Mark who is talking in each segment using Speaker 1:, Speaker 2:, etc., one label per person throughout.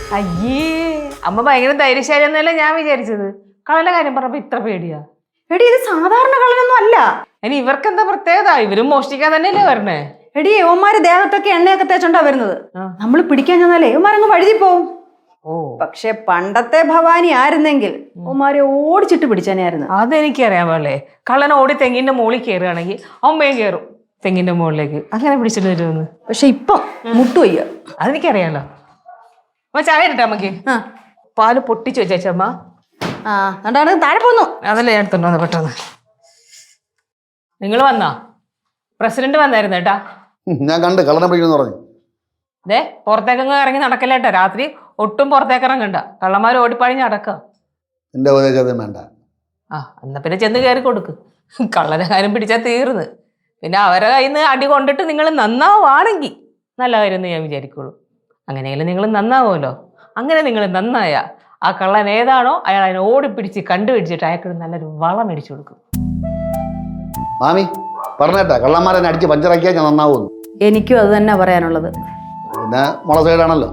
Speaker 1: അയ്യേ അമ്മ ഭയങ്കര ധൈര്യശാലി എന്നല്ലേ ഞാൻ വിചാരിച്ചത്. കള്ളന്റെ കാര്യം പറഞ്ഞപ്പോ ഇത്ര പേടിയാ?
Speaker 2: എടി ഇത് സാധാരണ കള്ളനൊന്നും അല്ല.
Speaker 1: ഇനി ഇവർക്ക് എന്താ പ്രത്യേകത? ഇവരും മോഷ്ടിക്കാൻ തന്നെയല്ലേ വരണേ?
Speaker 2: എടി യവന്മാര് ദേഹത്തൊക്കെ എണ്ണയൊക്കെ തേച്ചോണ്ടാ വരുന്നത്. നമ്മൾ പിടിക്കാൻ ചെന്നാലേ യവന്മാരങ്ങ് വഴുതി പോവും. പക്ഷെ പണ്ടത്തെ ഭവാനി ആയിരുന്നെങ്കിൽ യവന്മാരെ ഓടിച്ചിട്ട് പിടിച്ചാനായിരുന്നു.
Speaker 1: അതെനിക്കറിയാൻ പാടില്ലേ. കള്ളൻ ഓടി തെങ്ങിന്റെ മുകളിൽ കയറുകയാണെങ്കിൽ അമ്മയും കയറും തെങ്ങിന്റെ മുകളിലേക്ക്. അങ്ങനെ പിടിച്ചിട്ട് വരുമെന്ന്.
Speaker 2: പക്ഷെ ഇപ്പം മുട്ടുവയ്യ.
Speaker 1: അതെനിക്കറിയാലോ. അമ്മ ചായ ഇരട്ടെ അമ്മക്ക്? പാല് പൊട്ടിച്ചു വെച്ചമ്മ.
Speaker 2: താഴെ പോന്നു.
Speaker 1: അതല്ലേ ഞാൻ എടുത്തോണ്ട് പെട്ടെന്ന്. നിങ്ങൾ വന്നാ? പ്രസിഡന്റ് വന്നായിരുന്നു കേട്ടാ.
Speaker 3: ഞാൻ കണ്ട് കള്ളനെ പിടിക്കുന്നു പറഞ്ഞു.
Speaker 1: അതെ പുറത്തേക്കങ്ങ് ഇറങ്ങി നടക്കല്ലേട്ടാ. രാത്രി ഒട്ടും പുറത്തേക്ക് ഇറങ്ങണ്ട. കള്ളന്മാർ ഓടിപ്പഴിഞ്ഞ് അടക്ക.
Speaker 3: എന്റെ ഉപദേശം വേണ്ട.
Speaker 1: എന്നാ പിന്നെ ചെന്ന് കയറി കൊടുക്ക്. കള്ളനെ കാര്യം പിടിച്ചാൽ തീർന്ന്. പിന്നെ അവരെ കയ്യിൽ നിന്ന് അടി കൊണ്ടിട്ട് നിങ്ങൾ നന്നാവാണെങ്കിൽ നല്ല കാര്യം ഞാൻ വിചാരിക്കുള്ളൂ. അങ്ങനെയെങ്കിലും നിങ്ങൾ നന്നാവുമല്ലോ. അങ്ങനെ നിങ്ങൾ നന്നായ ആ കള്ളൻ ഏതാണോ അയാൾ അതിനെ ഓടിപ്പിടിച്ച് കണ്ടുപിടിച്ചിട്ട് അയാൾക്ക് നല്ലൊരു വളം മേടിച്ചു കൊടുക്കും.
Speaker 3: മാമി പറഞ്ഞേട്ടാ, കള്ളന്മാരെ അടിച്ച് പഞ്ചറാക്കിയാൽ ഞാൻ നന്നാവുന്നു.
Speaker 2: എനിക്കും അത് തന്നെ പറയാനുള്ളത്.
Speaker 3: പിന്നെ മുള സൈഡാണല്ലോ.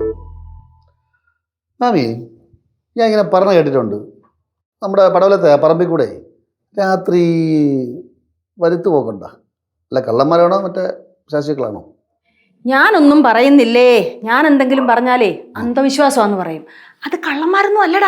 Speaker 3: മാമി ഞാൻ ഇങ്ങനെ പറഞ്ഞു കേട്ടിട്ടുണ്ട്, നമ്മുടെ പടവലത്തെ പറമ്പിൽ കൂടെ രാത്രി വരുത്തു പോക്കണ്ട. അല്ല കള്ളന്മാരാണോ മറ്റേ ശാസ്ത്രികളാണോ?
Speaker 2: ഞാനൊന്നും പറയുന്നില്ലേ. ഞാൻ എന്തെങ്കിലും പറഞ്ഞാലേ അന്ധവിശ്വാസമാന്ന് പറയും. അത് കള്ളന്മാരൊന്നും അല്ലടാ.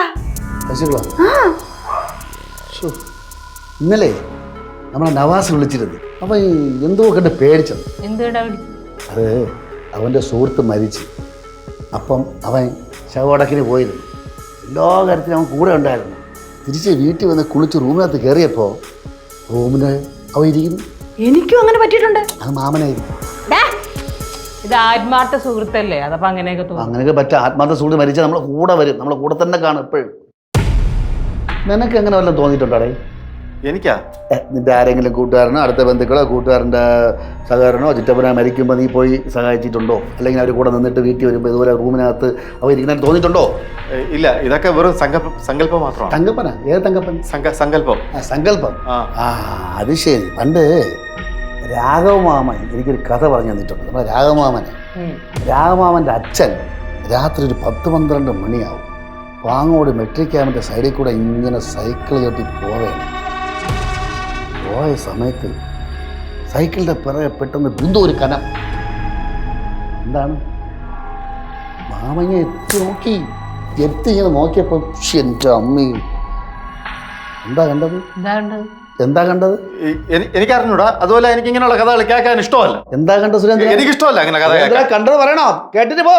Speaker 3: ഇന്നലെ നമ്മളെ നവാസ് വിളിച്ചിരുന്നു. അവൻ എന്തോ കണ്ട് പേടിച്ചത്. അത് അവൻ്റെ സുഹൃത്ത് മരിച്ച്. അപ്പം അവൻ ശവടക്കിന് പോയിരുന്നു. എല്ലാ കാര്യത്തിലും അവൻ കൂടെ ഉണ്ടായിരുന്നു. തിരിച്ച് വീട്ടിൽ വന്ന് കുളിച്ച് റൂമിനകത്ത് കയറിയപ്പോൾ റൂമിന് അവൻ ഇരിക്കുന്നു.
Speaker 2: എനിക്കും അങ്ങനെ പറ്റിയിട്ടുണ്ട്.
Speaker 3: അത് മാമനായിരുന്നു.
Speaker 1: ഇത് ആത്മാർത്ഥ സുഹൃത്തല്ലേ? അതപ്പോ അങ്ങനെയൊക്കെ തോന്നും.
Speaker 3: അങ്ങനെയൊക്കെ പറ്റും. ആത്മാർത്ഥ സുഹൃത്ത് മരിച്ചാൽ നമ്മളെ കൂടെ വരും, നമ്മളെ കൂടെ തന്നെ കാണും എപ്പോഴും. നിനക്ക് എങ്ങനെ വല്ലതും തോന്നിയിട്ടുണ്ടോടേ?
Speaker 4: എനിക്കാ?
Speaker 3: നിന്റെ ആരെങ്കിലും കൂട്ടുകാരനോ അടുത്ത ബന്ധുക്കളോ കൂട്ടുകാരൻ്റെ സഹകരണോ ചുറ്റപ്പനോ മരിക്കുമ്പോൾ നീ പോയി സഹായിച്ചിട്ടുണ്ടോ? അല്ലെങ്കിൽ അവർ കൂടെ നിന്നിട്ട് വീട്ടിൽ വരുമ്പോൾ ഇതുപോലെ റൂമിനകത്ത് അവർ ഇരിക്കുന്ന തോന്നിയിട്ടുണ്ടോ?
Speaker 4: ഇല്ല, ഇതൊക്കെ വെറും സങ്കല്പം മാത്രമാണ്.
Speaker 3: തങ്കപ്പനാ? ഏത് തങ്കപ്പൻ?
Speaker 4: സങ്കല്പം.
Speaker 3: സങ്കല്പം. അത് ശരി. പണ്ട് രാഘവമാമൻ എനിക്കൊരു കഥ പറഞ്ഞു തന്നിട്ടുണ്ട്. നമ്മുടെ രാഘവമാമൻ്റെ അച്ഛൻ രാത്രി ഒരു 10-12 മണിയാവും പാങ്ങോട് മെട്രിക് ക്യാമ്പിൻ്റെ സൈഡിൽ കൂടെ ഇങ്ങനെ സൈക്കിൾ ചവിട്ടി പോവുകയാണ്. പോയ സമയത്ത് സൈക്കിളിൻ്റെ പിറകെ പെട്ടെന്ന് ബിന്ദു ഒരു കനം. എന്താണ്? മാമങ്ങ എത്തി ഇങ്ങനെ നോക്കിയപ്പോൾ എൻ്റെ അമ്മ എന്താ കണ്ടത്?
Speaker 4: എനിക്ക് അറിഞ്ഞൂടാ. അതുപോലെ എനിക്ക് ഇങ്ങനെയുള്ള കഥകൾ കേൾക്കാൻ ഇഷ്ടമല്ല.
Speaker 3: എന്താ കണ്ടത് സുരേന്ദ്രൻ?
Speaker 4: എനിക്ക് ഇഷ്ടമല്ല അങ്ങനെ കഥ.
Speaker 3: കണ്ടത് പറയണോ? കേട്ടിട്ട് പോ.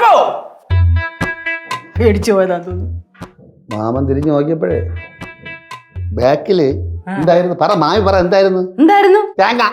Speaker 2: പേടിച്ചു പോയതാ തോന്നുന്നു.
Speaker 3: മാമൻ തിരിഞ്ഞു നോക്കിയപ്പോഴേ ബാക്കില് എന്തായിരുന്നു? പറ മാമി പറ. എന്തായിരുന്നു? തേങ്ങ.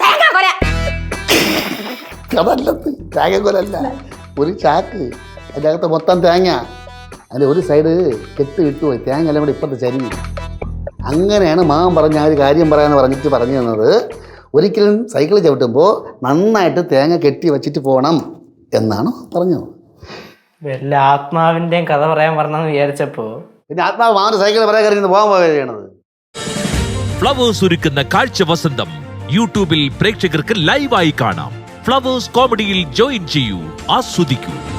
Speaker 3: അതല്ലത്, തേങ്ങക്കൊലല്ല. ഒരു ചാക്ക്, അതിൻ്റെ അകത്ത് മൊത്തം തേങ്ങ. അതിൻ്റെ ഒരു സൈഡ് കെട്ട് വിട്ടുപോയി. തേങ്ങ എല്ലാം കൂടെ ഇപ്പത്തെ ചരിഞ്ഞു. അങ്ങനെയാണ് മാമൻ പറഞ്ഞ ആ ഒരു കാര്യം പറയാന്ന് പറഞ്ഞിട്ട് പറഞ്ഞു തന്നത്. ഒരിക്കലും സൈക്കിൾ ചവിട്ടുമ്പോൾ നന്നായിട്ട് തേങ്ങ കെട്ടി വെച്ചിട്ട് പോകണം എന്നാണ് പറഞ്ഞത്.
Speaker 5: വല്ല ആത്മാവിന്റെയും കഥ പറയാൻ പറഞ്ഞെന്ന് വിചാരിച്ചപ്പോ
Speaker 3: പിന്നെ ആത്മാവ് മാമന്റെ സൈക്കിൾ പറയാൻ കറിയുന്നത് പോകാൻ പോവുകയാണ്.
Speaker 6: ഫ്ലവേഴ്സ് ഒരുക്കുന്ന കാഴ്ച വസന്തം യൂട്യൂബിൽ പ്രേക്ഷകർക്ക് ലൈവായി കാണാം. ഫ്ലവേഴ്സ് കോമഡിയിൽ ജോയിൻ ചെയ്യൂ, ആസ്വദിക്കൂ.